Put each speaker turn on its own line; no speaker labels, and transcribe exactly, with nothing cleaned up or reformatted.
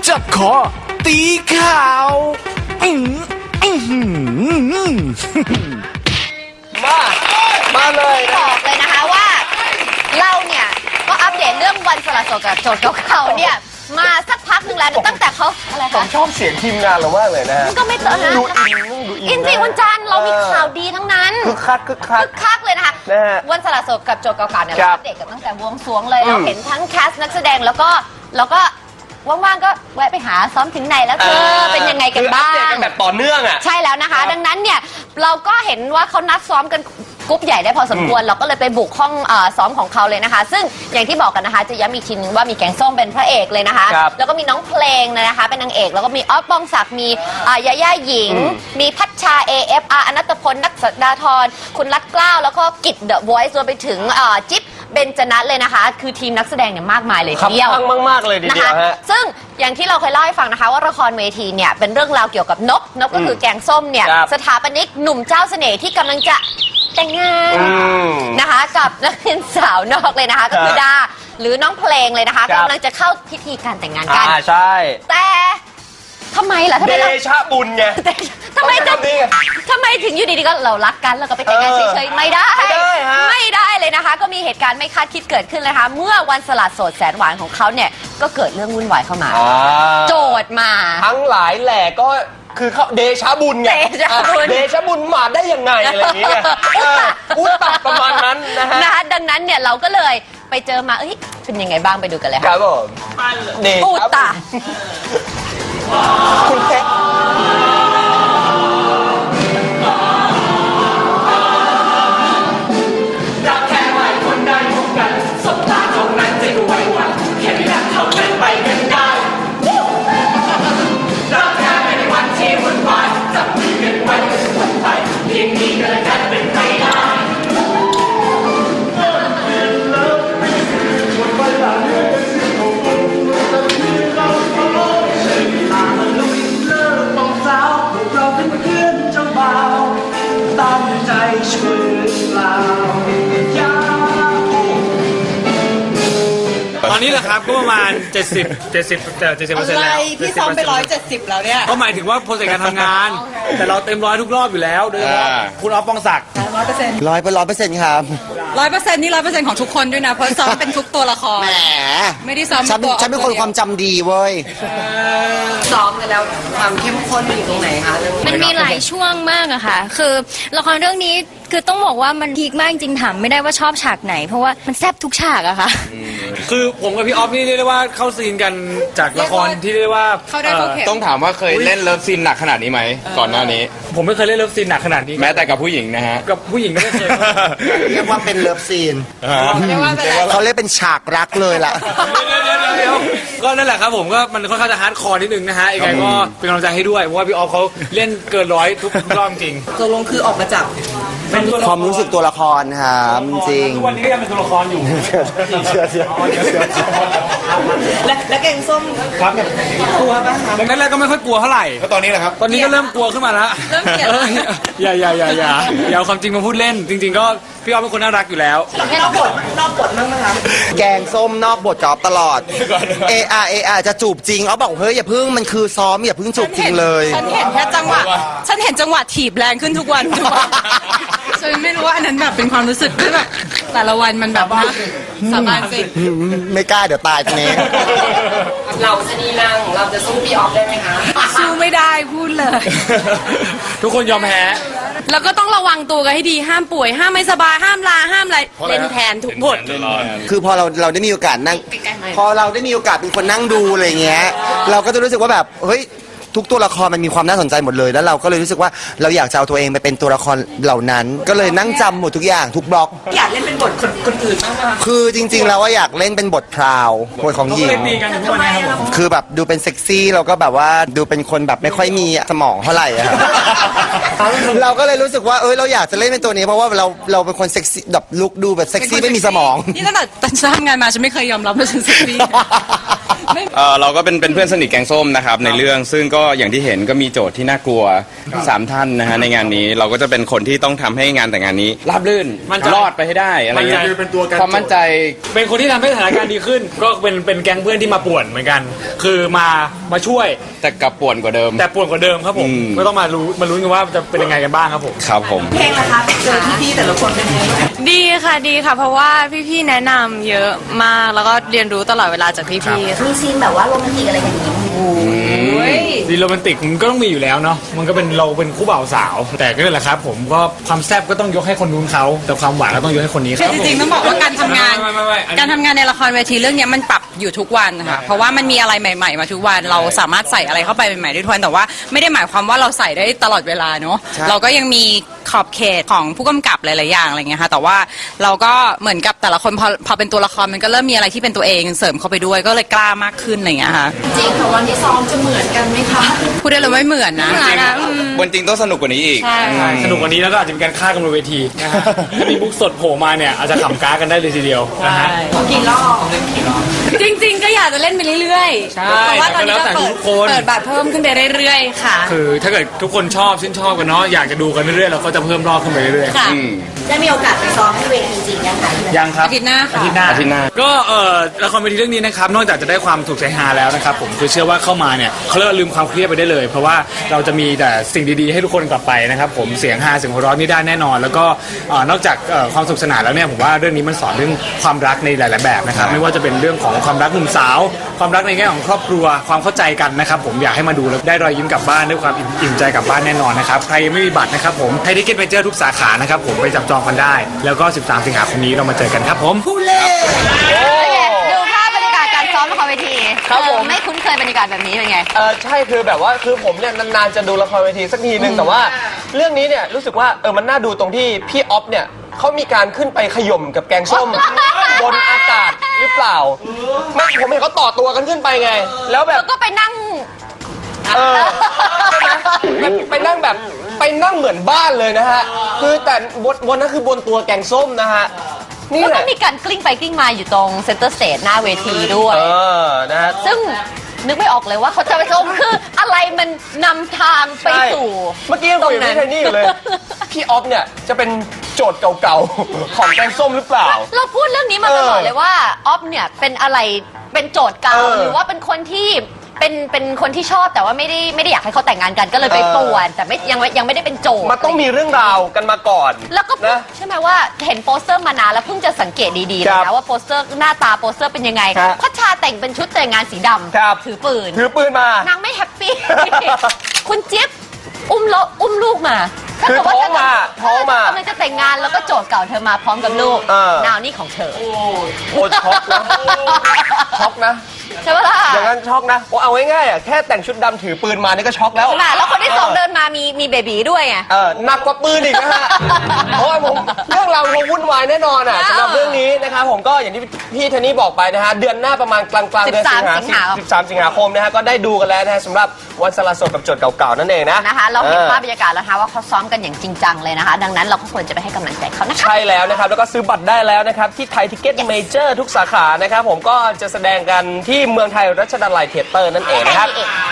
จับคอตีข่าวอื้ออื้อหือ
มามาเลยนะ
บอกเลยนะคะว่าเราเนี่ยก็อัปเดตเรื่องวันสละโสดกับโจทย์เก่าๆเนี่ยมาสักพักหนึ่งแล้วตั้งแต่เขาอะไร
ผม
คะ
ชอบเสียงทีมงานเรามากเลยนะฮะ
มันก็ไม่เจอนะ
ดูอินดูอิน
อินจริงวันจันทร์เรามีข่าวดีทั้งนั้น
คึกคักคึกคัก
คึกคักเลยนะคะ
นะฮะ
วันสละโสดกับโจทย์เก่าๆเนี่ย
ครั
เรา
บ
อัปเดตกันตั้งแต่บวงสรวงเลยเรา
อืม
เห็นทั้งแคสต์นักแสดงแล้วก็แล้วก็ว่างๆก็แวะไปหาซ้อมถึงไหนแล้วเธอเป็นยังไงกันบ้าง
คืออัปเดตกันแบบต่อเนื่องอ่ะ
ใช่แล้วนะคะ ดังนั้นเนี่ยเราก็เห็นว่าเขานัดซ้อมกันกรุ๊ปใหญ่ได้พอสมควรเราก็เลยไปบุกห้องเอ่อซ้อมของเขาเลยนะคะ ซึ่งอย่างที่บอกกันนะคะจะย้ำอีกทีนึงว่ามีแกงส้มเป็นพระเอกเลยนะคะ
ครับ
แล้วก็มีน้องเพลงนะคะเป็นนางเอกแล้วก็มีออฟปองศักดิ์มีอ่ายาย่าหญิง มีพัชชา เอ เอฟ อาร์ อนัตพลนักสัดาธรคุณรัตเกล้าแล้วก็กิจเดอะวอยซ์รวมไปถึงเอ่อจิ๊บเบนจนัทเลยนะคะ คือทีมนักแสดงเนี่ยมากมายเลย
ขับ
ทีเดียว
ข้างมากๆเลยที
นะ
เดีย
คะ
วฮะ
ซึ่งอย่างที่เราเคยเล่าให้ฟังนะคะว่าละครเวทีเนี่ยเป็นเรื่องราวเกี่ยวกับนกนกก็คือแกงส้มเนี่ย
ครับ
สถาปนิกหนุ่มเจ้าเสน่ห์ที่กำลังจะแต่งงาน
อืม
นะคะกับนักเรียนสาวนอกเลยนะคะ ก็คือดาหรือน้องเพลงเลยนะคะ
ครับ
กำลังจะเข้าพิธีการแต่งงานกัน
อ่าใช่
แต่ทำไมล่ะทำ
เด
ไมเรา
ชะบุญไง
ทำไม
ต้องใช้คำนี้ไง
ทำไมถึงอยู่ดีๆก็เรารักกันแล้วก็ไปแต่งงาน
เออ
เฉยๆไม่ได้
ไม่ได้ฮะ
ไม่ได้เลยนะคะ ก็มีเหตุการณ์ไม่คาดคิดเกิดขึ้นเลยนะคะเมื่อวันสละโสดแสนหวานของเขาเนี่ยก็เกิดเรื่องวุ่นวายเข้ามา
อ่า
โจทย์มา
ทั้งหลายแหล่ก็คือเขาเดชะบุญไง
เดชะบุญ
อ่ะเดชะบุญมาได้ยังไงอะไรอย่างเงี้ยเอออุตตะประมาณนั้นนะฮะ
นะคะดังนั้นเนี่ยเราก็เลยไปเจอมาเอ้ยเป็นยังไงบ้างไปดูกันเลย
ค
ค่ะ
รับผมเด
อุ
ชะ
ตตะ
คุณเพชร
รักแค่ไม่คนได้พบกันสบตาตรงนั้นจะดูไว้วันแค่ไม่รักเท่านั้นไปกันได้รักแค่ไม่ในวันที่วุ่นวายจับมือกันไว้ก็จะวนไปเพียงนี้ก็แล้วกันเป็นไปได้เราเป็นเพื่อนเจ้าบ่าวตั้งใจช่วยเหลือเปล่าอยาก
ตอนนี้แหละครับก็ประมาณ เจ็ดสิบ เจ็ดสิบแต่เจ็ดสิบเปอร์เซ็นต์
อะไร
แล้ว
พี่ซ้อมไปร้อยเจ็ดสิบแล้วเนี่ย
ก็หมายถึงว่าโปรเซสการทำงาน แต่เราเต็มร้อยทุกรอบอยู่แล้วโดยเฉพาะคุณออฟปองศักดิ์
ร้อยเปอร์เซ็นต์
ร้อยเป็นร้อยเปอร์เซ็นต์ครับ
ร้อยเปอร์เซ็นต์นี่ร้อยเปอร์เซ็นต์ของทุกคนด้วยนะ เพราะซ้อมเป็นทุกตัวละคร
แหม
ไม่ได้ซ้อม
ฉันเป็น
ตัว
ฉันเป็นคนความจำดีเว้ย
ซ้อมกันแล้วความเข้มข้นมันอยู่ตรงไหนคะเรื่อง
มันมีหลายช่วงมากอะค่ะ คือละครเรื่องนี้คือต้องบอกว่ามันพีคมากจริงถามไม่ได้ว่าชอบฉากไหน เพราะว่ามันแซ่บทุกฉากอะค่ะ
คือผมกับพี่ออฟนี่เรียกได้ว่าเข้าซีนกันจากละครที่เรียกได้ว่า
เข้าได้เข้าเข็ม
ต้องถามว่าเคยเล่นเลิฟซีนหนักขนาดนี้ไหมก่อนหน้านี้
ผมไม่เคยเล่นเลิฟซีนหนักขนาดนี้
แม้แต่กับผู้หญิงนะฮะ
กับผู้หญิงก็ไม่เคย
เรียกว่าเป็นเลิฟซีน
เรียกว่าเป็นอะไร
เขาเรียกเป็นฉากรักเลยล่ะ
เดี๋ยวเดี๋ยวเดี๋ยวเดี๋ยวก็นั่นแหละครับผมก็มันค่อนข้างจะฮาร์ดคอร์นิดนึงนะฮะยังไงก็เป็นกำลังใจให้ด้วยเพราะว่าพี่ออฟเขาเล่นเกินร้อยทุกรอบจริง
ตกลงคือออกมาจาก
ความรู้สึกตัวละครครับจริง
ทุกวันนี้ก็ยังเป็นตัวละครอยู่
เชื่อเชื่อเชื่อ
และและแกงส้ม
ครับ
กลัวป่ะคะ
แรกๆก็ไม่ค่อยกลัวเท่าไหร่
ก็ตอนนี้แหละครับ
ตอนนี้ก็เริ่มกลัวขึ้นมาแล้ว
เริ่มเกลียดแล้ว
อย่าอย่าอย่าอย่าอย่าเอาความจริงมาพูดเล่น จริง ๆ ก็พี่ออฟเป็นคนน่ารักอยู่แล้ว
นอกบทนอกบทมั้งไหมคะ
แกงส้มนอกบทจอบตลอด เออาเออาจะจูบจริงเอาบอกเฮ้ยอย่าพึ่งมันคือซ้อมอย่าพึ่งจูบจริงเลย
ฉันเห็นแค่จังหวะ ฉันเห็นจังหวะถีบแรงขึ้นทุกวันทุกวันฉันไม่รู้ว่าอันนั้นแบบเป็นความรู้สึกที่แบบแต่ละวันมันแบบว่าสาบานสิ
ไม่กล้าเดี๋ยวตายทีนี้
เราชนีนางเราจะสู้พี่ออฟได้ไหมคะสู้ไม่ได้พูดเลย
ทุกคนยอมแพ้
แล้วก็ต้องระวังตัวกันให้ดีห้ามป่วย ห้ามไม่สบายห้ามลาห้ามอะไรเล่นแทนทุกบท
คือพอเราเราได้มีโอกาสนั่ง พอเราได้มีโอกาสเป็นคนนั่งดูอะไรเงี้ย เราก็จะรู้สึกว่าแบบเฮ้ยทุกตัวละครมันมีความน่าสนใจหมดเลยแล้วเราก็เลยรู้สึกว่าเราอยากจะเอาตัวเองไปเป็นตัวละครเหล่านั้น ก็เลยนั่งจำหมดทุกอย่างทุกบล็อก
อยากเล่นเป็นบทคนคนอื่นบ้างไหม
คือจริงๆแล้วว่าอยากเล่นเป็นบทพราวบทของหญิ
ก็เล
ง
ยตีกันทุกวันนี้ครับผม
คือแบบดูเป็นเซ็กซี่เราก็แบบว่าดูเป็นคนแบบไม่ค่อยมีสมองเท่าไหร่อะครับ เราก็เลยรู้สึกว่าเอ้ยเราอยากจะเล่นเป็นตัวนี้เพราะว่าเราเราเป็นคนเซ็กซี่แบบลุคดูแบบเซ็กซี่ไม่มีสมอง
นี่ตั้งแต่ตอนทำงานมาฉันไม่เคยยอมรับว่าฉันเซ็กซี่
เอ่อเราก็เป็นเป็นเพื่อนสนิทแกงส้มนะครับในเรื่องซึ่งก็ก็อย่างที่เห็นก็มีโจทย์ที่น่ากลัวสามท่านนะฮะในงานนี้เราก็จะเป็นคนที่ต้องทำให้งานแต่งงานนี้ราบรื่น
มั่นใจ
รอดไปให้ได้อะไรเงี้ย
มั่นใจเป็นตัวการ
ความมั่นใจ
เป็นคนที่ทำให้สถานการณ์ดีขึ้น ก็เป็นเป็นแก๊งเพื่อนที่มาป่วนเหมือนกัน คือมามาช่วย
แต่กลับป่วนกว่าเดิม
แต่ป่วนกว่าเดิมครับผม
อืม
ก็ต้องมารู้มาลุ้นกันว่าจะเป็นยังไงกันบ้างครับผม
ครับผม
ดีค่ะดีค่ะ เพราะว่าพี่ๆแนะนำเยอะมากแล้วก็เรียนรู้ตลอดเวลาจากพี่ๆ
มีซีนแบบว่าโรแมนติกอะไรกันอย่างนี้
ดีโรแมนติกมันก็ต้องมีอยู่แล้วเนาะ มันก็เป็นเราเป็นคู่บ่าวสาว แต่ก็นั่นแหละครับผมก็ความแซ่บก็ต้องยกให้คนนู้นเขา แต่ความหวานก็ต้องยกให้คนนี้ค
คื
รั
อบ จริงๆต้องบอกว่าการทำงาน
ไม่ไม่ไม่อันนี้
การทำงานในละครเวทีเรื่องเนี้ยมันปรับอยู่ทุกวันค่ะเพราะว่ามันมีอะไรใหม่ ๆ มาทุกวันเราสามารถใส่อะไรเข้าไปใหม่ๆได้ทุกวันแต่ว่าไม่ได้หมายความว่าเราใส่ได้ตลอดเวลาเนาะเราก็ยังมีขอบเขตของผู้กำกับหลายๆอย่างอะไรเงี้ยค่ะแต่ว่าเราก็เหมือนกับแต่ละคนพอพอเป็นตัวละครมันก็เริ่มมีอะไรที่เป็นตัวเองเสริมเข้าไปด้วยก็เลยกล้ามากขึ้นอะไรเงี้ยค่ะ
จริงค่ะวันที่ซ้อมจะเหมือนกันไหมคะ
พูดได้เลยไม่เหมือนนะ
บนจริงต้องสนุกกว่านี้อีก
ใช่
ใช่สนุกกว่านี้แล้วก็อาจจะมีการฆ่ากันบนเวทีนะฮะถ้ามีบุ๊กสดโผล่มาเนี่ยอาจจะขำก้ากันได้เลยทีเดียวนะฮะ
จริงๆ ก็อยากจะเล่นไปเรื่อยๆ
ใช่
เพราะว่าตอนนี้ก็
แต่ก็แล้วแต่
เปิด
ทุกคน
เปิดบัตรเพิ่มขึ้นไปเรื่อยๆ ค่ะ
คือถ้าเกิดทุกคนชอบชื่นชอบกันเนาะ อยากจะดูกันเรื่อยๆเราก็จะเพิ่มรอบขึ้นไปเรื่อยๆ
ค่ะ
ได้มีโอกาสไปซ้อมที่เวทีจริงยังคะ
ยังครับ
อาทิตย์หน้าค่ะ
อาทิตย์หน้า
อาทิตย์หน้า
ก็เอ่อละครเวทีเรื่องนี้นะครับนอกจากจะได้ความถูกใจฮาแล้วนะครับผมคือเชื่อว่าเข้ามาเนี่ยเขาเรียกว่าลืมความเครียดไปได้เลย เพราะว่าเราจะมีแต่สิ่งดีๆให้ทุกคนกลับไปนะครับผมเสียงฮาเสียงหัวเราะนี่ได้แน่นอน แล้วก็เอ่อนอกจากเอ่อความสนุกสนานแล้วเนี่ยผมว่าเรื่องนี้มันสอนเรื่องความรักในหลายๆแบบนะครับไม่ว่าจะเป็นเรื่องของความรักหนุ่มสาว ความรักในแง่ของครอบครัวความเข้าใจกันนะครับผมอยากให้มาดูแล้วได้รอยยิ้มกลับบ้านด้วยความอิ่มอิ่มใจกลับบ้านแน่นอนนะครับใครยังไม่มีบัตรนะครับผมไทยทิเก็ตเมเจอร์ทุกสาขานะครับผมไปจับจองกันได้ แล้วก็ สิบสาม สิงหาคมนี้เรามาเจอกันครับผม
ดูภาพบรรยากาศการซ้อมละครเวที
ครับผม
เออไม่คุ้นเคยบรรยากาศแบบนี้เป็นไง
เออใช่คือแบบว่าคือผมเนี่ยนานๆจะดูละครเวทีสักทีนึงแต่ว่าเรื่องนี้เนี่ยรู้สึกว่าเออมันน่าดูตรงที่พี่ออฟเนี่ยเขามีการขึ้นไปขย่มกับแกงส้ม บนอากาศหรือเปล่าไม่ผมเห็นเขาต่อตัวกันขึ้นไปไง แล้วแบบ
แล้วก็ไปนั่ง
เออใช่ไหมแบบไปนั่งแบบไปนั่งเหมือนบ้านเลยนะฮะคือแต่บนบนนั้นคือบนตัวแกงส้มนะฮะนี่
แล้ว
แห
ก็
ละ
มีการกลิ้งไปกลิ้งมาอยู่ตรงเซ็นเตอร์สเตจหน้าเวทีด้วย
เออนะฮะ
ซึ่งนึกไม่ออกเลยว่าเขาจะไปชมคืออะไรมันนำทางไป
ใช่
สู่
เมื่อกี้ยังคุยกับพี่ไทนี่อยู่เลย พี่ออฟเนี่ยจะเป็นโจทย์เก่าๆ ของแกงส้มหรือเปล่า
เราพูดเรื่องนี้มาตลอดเลยว่าออฟเนี่ยเป็นอะไรเป็นโจทย์เก่า
เออ
หรือว่าเป็นคนที่เป็นเป็นคนที่ชอบแต่ว่าไม่ได้ไม่ได้อยากให้เขาแต่งงานกันก็เลยไป
เออ
ป่วนแต่ไม่ยังไม่ยังไม่ได้เป็นโจทย์
มันต้องมีเรื่องราวกันมาก่อน
แล้วก็
นะ
ใช่ไหมว่าเห็นโปสเตอร์มานานแล้วเพิ่งจะสังเกตดีๆเล
ครั
ย
บ
นะว่าโปสเตอร์หน้าตาโปสเตอร์เป็นยังไง
ครับ
พัชชาแต่งเป็นชุดแต่งงานสีด
ครับ
ำถือปืน
ถือปืนมา
นางไม่แฮปปี้ คุณเจี๊ยบอุ้มโลอุ้มลูกมา
คือ
ถ้เกิดว่
ท้องมา
เธ
ท้องมา
กำลังจะแต่งงานแล้วก็โจทย์เก่าเธอมาพร้อมกับลูก
เออ
นาวนี่ของเธอ
โอ้ช็อกนะ ช็อกนะ
ใช่ปะล่ะ
อย่างนั้นช็อกนะโอ้เอาง่ายๆอ่ะแค่แต่งชุดดำถือปืนมานี่ก็ช็อกแล้ว
น่ะแล้วคนที่สองเดินมามีมีเบบีด้วยไง
เออหนักกว่าปืนอีกนะฮะ เพราะว่าผมเรื่องราวคงวุ่นวายแน่นอนอ่ะ
เออ
สำหรับเรื่องนี้นะครับผมก็อย่างที่พี่เทนนี่บอกไปนะฮะเดือนหน้าประมาณกลางๆเดือนสิงหา
สิบสามสิงหา
สิบสามสิงหาคมนะฮะก็ได้ดูกันแล้วนะฮะสำหรับวันสละโสดกับโจทย์เก่าๆนั่นเองนะ
นะคะ เราเห็น
ออ
ภาพบรรยากาศแล้วนะคะว่าเขาซ้อมกันอย่างจริงจังเลยนะคะ ดังนั้นเราก็ควรจะไปให้กำลังใจเขานะคะ
ใช่แล้วนะครับ แล้วก็ซื้อบัตรได้แล้วนะครับ ที่ไทยทิเก็ตเมเจอร์ทุกสาขานะครับ ผมก็จะแสดงกันที่เมืองไทยรัชดาลัยเทเตอร์นั่นเองนะครับ